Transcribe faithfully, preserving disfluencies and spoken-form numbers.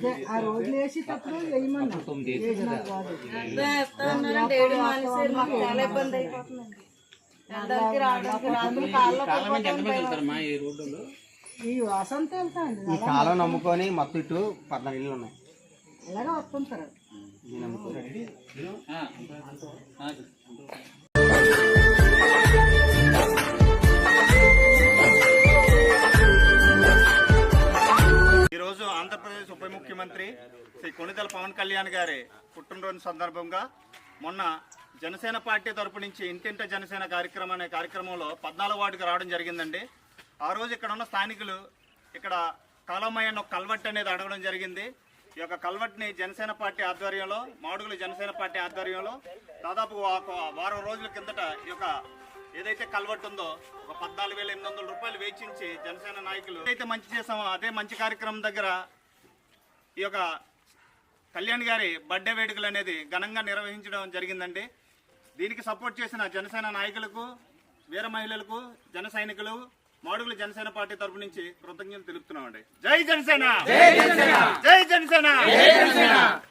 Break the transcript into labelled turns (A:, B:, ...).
A: ఆ రోజులు వేసేటప్పుడు వేయమన్నా
B: చాలా ఇబ్బంది అయిపోతుందండి.
A: ఈ వసంత వెళ్తా అండి
C: ఈ కాలం నమ్ముకొని మొత్తం ఇటు పద్నాలుగు ఇళ్ళు ఉన్నాయి.
A: అలాగే వస్తుంటారు.
D: ఈరోజు ఆంధ్రప్రదేశ్ ఉప ముఖ్యమంత్రి శ్రీ కొణిదెల పవన్ కళ్యాణ్ గారి పుట్టినరోజు సందర్భంగా మొన్న జనసేన పార్టీ తరపు నుంచి ఇంటింట జనసేన కార్యక్రమం అనే కార్యక్రమంలో పద్నాలుగు వార్డుకి రావడం జరిగిందండి. ఆ రోజు ఇక్కడ ఉన్న స్థానికులు ఇక్కడ కాలమయ్య ఒక కల్వట్ అనేది అడగడం జరిగింది. ఈ యొక్క కల్వట్ని జనసేన పార్టీ ఆధ్వర్యంలో మాడుగుల జనసేన పార్టీ ఆధ్వర్యంలో దాదాపు వారం రోజుల కిందట ఈ యొక్క ఏదైతే కల్వట్ ఉందో ఒక పద్నాలుగు వేల ఎనిమిది వందల రూపాయలు వేచించి జనసేన నాయకులు ఏదైతే మంచి చేసామో అదే మంచి కార్యక్రమం దగ్గర ఈ యొక్క కళ్యాణ్ గారి బర్త్డే వేడుకలు అనేది ఘనంగా నిర్వహించడం జరిగిందండి. దీనికి సపోర్ట్ చేసిన జనసేన నాయకులకు, వీర మహిళలకు, జన సైనికులు, మాడుగుల జనసేన పార్టీ తరపు నుంచి కృతజ్ఞతలు తెలుపుతున్నామండి. జై జనసేన, జై జనసేన, జై జనసేన.